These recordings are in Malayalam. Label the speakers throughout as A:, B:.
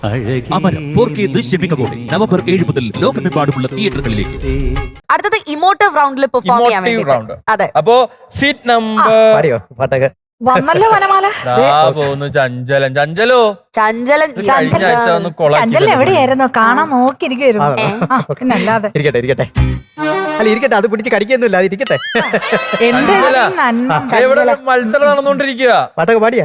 A: അമരം 4K ദൃശ്യമികവോടെ നവംബർ 7 മുതൽ ലോകമെമ്പാടുമുള്ള തിയേറ്ററുകളിലേക്ക്.
B: അടുത്തത് ഇമോട്ടീവ് റൗണ്ടിൽ പെർഫോം ചെയ്യാൻ വേണ്ടി. അതെ.
C: അപ്പോ സീറ്റ് നമ്പർ
D: വന്നല്ലോ വനമാല.
C: ചഞ്ചലൻ ചഞ്ചലോ
B: ചഞ്ചലൻ
D: ചഞ്ചലൻ എവിടെയായിരുന്നു? കാണാൻ നോക്കിയിരിക്കുവായിരുന്നു. പിന്നെ അല്ലാതെ
E: ഇരിക്കട്ടെ അല്ല ഇരിക്കട്ടെ, അത് പിടിച്ച് കടിക്കൊന്നുമില്ല, അത് ഇരിക്കട്ടെ.
C: ഇവിടെ മത്സരം നടന്നുകൊണ്ടിരിക്കുക.
E: പാട്ടൊക്കെ പാടിയാ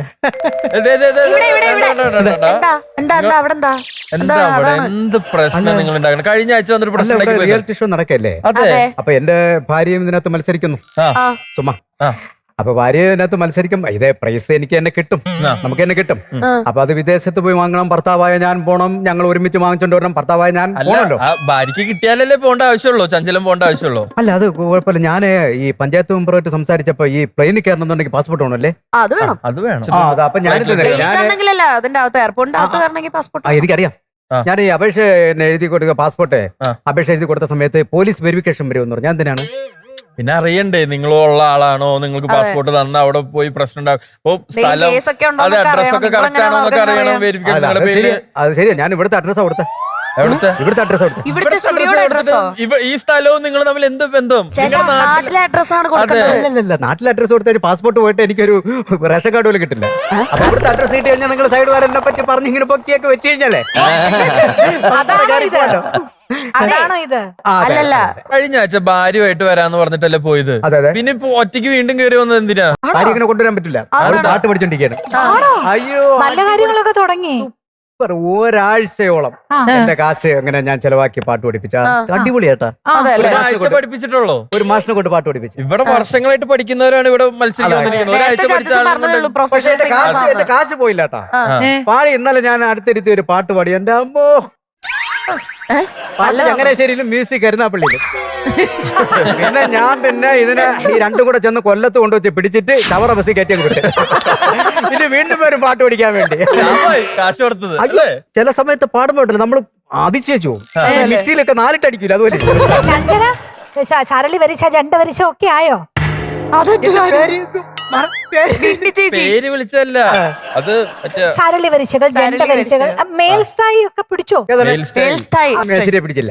C: എന്താ അവിടെ എന്ത് പ്രശ്നം നിങ്ങൾ ഉണ്ടാക്കണം? കഴിഞ്ഞ ആഴ്ച വന്നൊരു പ്രശ്നം
E: റിയാലിറ്റി ഷോ നടക്കല്ലേ, അപ്പൊ എന്റെ ഭാര്യയും ഇതിനകത്ത് മത്സരിക്കുന്നു. സുമ അപ്പൊ ഭാര്യ ഇതിനകത്ത് മത്സരിക്കും. ഇതേ പ്രൈസ് എനിക്ക് തന്നെ കിട്ടും, നമുക്ക് തന്നെ കിട്ടും. അപ്പൊ അത് വിദേശത്ത് പോയി വാങ്ങണം, ഭർത്താവായ ഞാൻ പോണം, ഞങ്ങൾ ഒരുമിച്ച് വാങ്ങിച്ചോണ്ട് വരണം, ഭർത്താവായ ഞാൻ പോണല്ലോ.
C: ഭാര്യക്ക് കിട്ടിയാലല്ലേ പോകേണ്ട ആവശ്യമുള്ളൂ, ചഞ്ചലം പോകേണ്ട ആവശ്യമുള്ളൂ.
E: അല്ല അത് കുഴപ്പമില്ല. ഞാൻ ഈ പഞ്ചായത്ത് മെമ്പറുമായിട്ട് സംസാരിച്ചപ്പോ ഈ പ്ലെയിനിൽ കയറണമെന്നുണ്ടെങ്കിൽ പാസ്പോർട്ട് വേണമല്ലേ?
C: അത് വേണം.
E: അപ്പൊ എനിക്കറിയാം. ഞാൻ ഈ അപേക്ഷ എഴുതി കൊടുക്കുക, പാസ്പോർട്ട് അപേക്ഷ എഴുതി കൊടുത്ത സമയത്ത് പോലീസ് വെരിഫിക്കേഷൻ വരുമെന്ന് പറഞ്ഞു. ഞാൻ എന്തിനാണ്
C: പിന്നെ അറിയണ്ടേ നിങ്ങളുള്ള ആളാണോ, നിങ്ങൾക്ക് പാസ്പോർട്ട് തന്ന അവിടെ പോയി പ്രശ്നം ഉണ്ടാവും. സ്ഥലം അതെ അഡ്രസ്സൊക്കെ കറക്റ്റ് ആണോ എന്നൊക്കെ അറിയണം. വെരിഫിക്കേഷൻ
E: അത് ശരിയാ. ഞാൻ ഇവിടുത്തെ അഡ്രസ്സാ കൊടുത്തത്. ഇവിടുത്തെ അഡ്രസ്
C: ഈ സ്ഥലവും നിങ്ങൾ തമ്മിൽ എന്ത് ബന്ധം?
B: നാട്ടിലെ അഡ്രസ്സാണ് കൊടുക്കുന്നത്.
E: നാട്ടിലെ അഡ്രസ് കൊടുത്ത പാസ്പോർട്ട് പോയിട്ട് എനിക്കൊരു റേഷൻ കാർഡ് പോലും കിട്ടില്ല. അപ്പൊ ഇവിടുത്തെ അഡ്രസ് കിട്ടി കഴിഞ്ഞാൽ നിങ്ങൾ സൈഡ് വാരനെ പറ്റി പറഞ്ഞ് ഇങ്ങനെ പൊക്കിയൊക്കെ വെച്ച് കഴിഞ്ഞാലേ
D: അതാണോ ഇത്?
B: അല്ലല്ല,
C: കഴിഞ്ഞ ആഴ്ച ഭാര്യമായിട്ട് വരാന്ന് പറഞ്ഞിട്ടല്ലേ പോയത്. പിന്നെ ഇപ്പൊ ഒറ്റയ്ക്ക് വീണ്ടും കയറി വന്നത് എന്തിനാ?
E: ഭാര്യ ഇങ്ങനെ കൊണ്ടുവരാൻ പറ്റില്ല, പാട്ട് പഠിച്ചോണ്ടിരിക്കുകയാണ്.
D: അയ്യോ, നല്ല കാര്യങ്ങളൊക്കെ തുടങ്ങി.
E: ഒരാഴ്ചയോളം എന്റെ കാശ് അങ്ങനെ ഞാൻ ചെലവാക്കി പാട്ട് പഠിപ്പിച്ച അടിപൊളിയാട്ടാ.
C: ഒരാഴ്ച പഠിപ്പിച്ചിട്ടുള്ളൂ.
E: ഒരു മാഷിനെ കൊണ്ട് പാട്ട് പഠിപ്പിച്ചു.
C: ഇവിടെ വർഷങ്ങളായിട്ട് പഠിക്കുന്നവരാണ് ഇവിടെ മത്സരിക്കാൻ വന്നിരിക്കുന്നത്. ഒരാഴ്ച പഠിച്ചാൽ
E: എന്റെ കാശ് പോയില്ലാട്ടാ. പാടി ഇന്നലെ ഞാൻ അടുത്തിരുത്തി ഒരു പാട്ട് പാടി. എന്റെ അമ്മോ, പാട്ട് ചങ്ങനാശ്ശേരിയിലും മ്യൂസിക് കരുനാപ്പള്ളിയിലും. പിന്നെ ഞാൻ ഇതിനെ ഈ രണ്ടും കൂടെ ചെന്ന് കൊല്ലത്ത് കൊണ്ടുവച്ച് പിടിച്ചിട്ട് ചവറ ബസ്സിൽ കയറ്റി വിട്ട് ഇത് വീണ്ടും വരും പാട്ട് പഠിക്കാൻ വേണ്ടി.
C: കാശ് കൊടുത്തത്
E: ചില സമയത്ത് പാടുമ്പോട്ടല്ലോ നമ്മൾ അതിശയിച്ചു പോകും. മിക്സിയിലൊക്കെ നാലിട്ടടിക്കൂല. അതുപോലെ
D: സരളി വരിച്ച ജണ്ട വരിച്ച ഒക്കെ ആയോ?
C: പേര് വിളിച്ചല്ല, അത്
D: സരളി വരിച്ചകൾ, ജണ്ട വരിച്ചകൾ, മേൽസ്ഥായി ഒക്കെ പിടിച്ചോ?
E: മേശിരിയെ പിടിച്ചില്ല.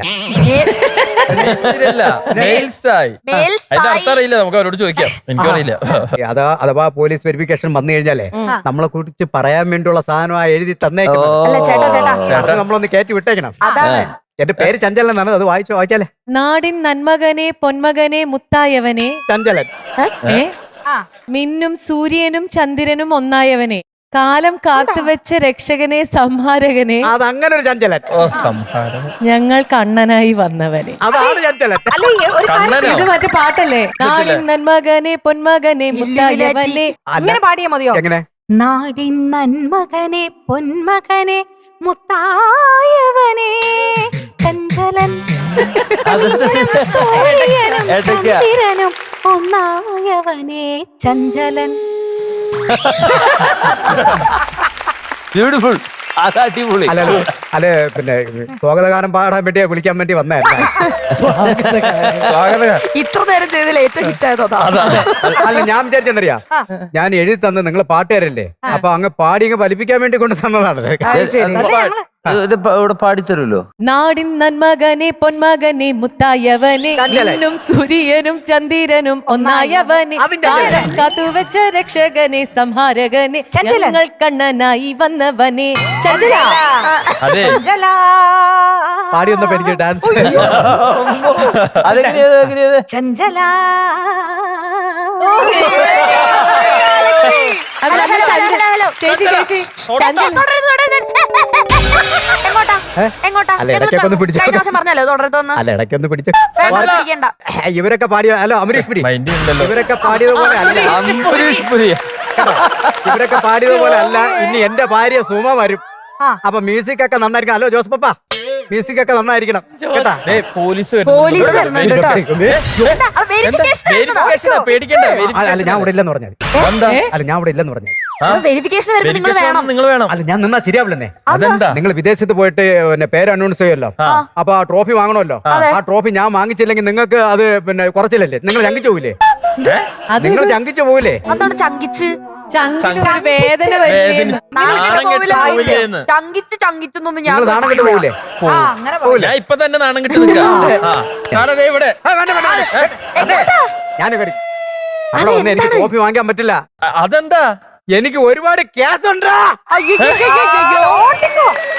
C: അതിന്റെ അർത്ഥം അറിയില്ല, നമുക്ക് അവരോട് ചോദിക്കാം. എനിക്കറിയില്ല.
E: അഥവാ പോലീസ് വെരിഫിക്കേഷൻ വന്നു കഴിഞ്ഞാലേ നമ്മളെ കുറിച്ച് പറയാൻ വേണ്ടിയുള്ള സാധനം എഴുതി തന്നേക്കണം. നമ്മളൊന്ന് കയറ്റി വിട്ടേക്കണം. എന്റെ പേര് ചഞ്ചലൻ എന്നാണ്. അത് വായിച്ചാലേ
F: നാടിൻ നന്മകനെ പൊന്മകനെ മുത്തായവനെ
E: ചഞ്ചലൻ.
F: മിന്നും സൂര്യനും ചന്ദ്രനും ഒന്നായവനെ, കാലം കാത്തുവെച്ച രക്ഷകനെ സംഹാരകനെ,
E: അതങ്ങനെ ഒരു ചഞ്ചലൻ.
F: ഞങ്ങൾ കണ്ണനായി വന്നവനെ.
E: അതാണ് ചഞ്ചലൻ.
F: ഇത് മറ്റേ പാട്ടല്ലേ? നാടിൻ നന്മകനെ പൊന്മകനെ മുത്തായവനെ.
D: അങ്ങനെ പാടിയാ മതിയോ?
E: എങ്ങനെ?
D: നാടിൻ നന്മകനെ പൊന്മകനെ മുത്തായവനെ ചഞ്ചലൻ, സൂര്യനും ചന്ദ്രനും ഒന്നായവനെ ചഞ്ചലൻ.
C: ബ്യൂട്ടിഫുൾ. അടിപൊളി.
E: അല്ലെ പിന്നെ സ്വാഗതഗാനം പാടാൻ വേണ്ടി വിളിക്കാൻ വേണ്ടി വന്നായിരുന്നു.
B: ഇത്ര നേരം ചെയ്തതിൽ ഏറ്റവും ഹിറ്റ് ആയതോ?
E: അല്ല ഞാൻ വിചാരിച്ചെന്നറിയാ, ഞാൻ എഴുതി തന്ന് നിങ്ങൾ പാട്ടുകാരല്ലേ, അപ്പൊ അങ്ങ് പാടി അങ്ങ് ഫലിപ്പിക്കാൻ വേണ്ടി കൊണ്ട് തന്നതാണ്.
C: ഇവിടെ പാടിത്തരുമല്ലോ.
F: നാടിൻ നന്മകനെ പൊന്മകനെ മുത്തായവനെ, മിന്നും സൂര്യനും ചന്ദ്രനും ഒന്നായവനെ, കാലം കാത്തുവെച്ച രക്ഷകനെ സംഹാരകനെ, ഞങ്ങൾ കണ്ണനായി വന്നവനെ ചഞ്ചല.
E: പാടി വന്നപ്പോ എനിക്ക് ഡാൻസ്
D: ചഞ്ചല.
E: ഇവരൊക്കെ പാടിയ ഹലോ അമരീഷ് പുരി, ഇവരൊക്കെ പാടിയതുപോലെ അല്ല. ഇവരൊക്കെ പാടിയതുപോലെ അല്ല. ഇനി എന്റെ ഭാര്യ സുമ വരും. അപ്പൊ മ്യൂസിക് ഒക്കെ നന്നായിരിക്കണം. ഹലോ ജോസ് പപ്പ, മ്യൂസിക് ഒക്കെ നന്നായിരിക്കണം കേട്ടാ.
C: പോലീസ്
E: അല്ല ഞാൻ ഇവിടെ ഇല്ലെന്ന് പറഞ്ഞാൽ. അല്ല ഞാൻ ഇവിടെ ഇല്ലെന്ന് പറഞ്ഞാൽ
C: നിങ്ങൾ വേണം.
E: അല്ല ഞാൻ നിന്നാ ശരിയാവില്ലെന്നേ.
C: അതെന്താ?
E: നിങ്ങൾ വിദേശത്ത് പോയിട്ട് പിന്നെ പേര് അനൗൺസ് ചെയ്യുമല്ലോ, അപ്പൊ ആ ട്രോഫി വാങ്ങണമല്ലോ. ആ ട്രോഫി ഞാൻ വാങ്ങിച്ചില്ലെങ്കിൽ നിങ്ങൾക്ക് അത് പിന്നെ കുറച്ചില്ലല്ലേ, നിങ്ങൾ ചങ്കിച്ചു പോവില്ലേ? നിങ്ങൾ ചങ്കിച്ചു പോവില്ലേ?
B: അതാണ് ചങ്കിച്ച്.
F: ചങ്കിനൊരു വേദന വരുന്നു.
C: നാണം കെട്ട് പോവില്ലേന്ന്.
B: ചങ്കിച്ചൊന്നും ഞാൻ
E: നിങ്ങൾ നാണം കെട്ട് പോകില്ലേ
D: ആ അങ്ങനെ പറ.
C: ഞാൻ ഇപ്പൊ തന്നെ നാണം കെട്ട് നിൽക്കാം ഞാനതേ ഇവിടെ
E: ഞാൻ അവിടെ വന്ന് എനിക്ക് കോപ്പി വാങ്ങിക്കാൻ പറ്റില്ല.
C: അതെന്താ
E: എനിക്ക് ഒരുപാട് ക്യാസ് ഉണ്ടാ.
B: അയ്യോ
D: ഓട്ടിക്കോ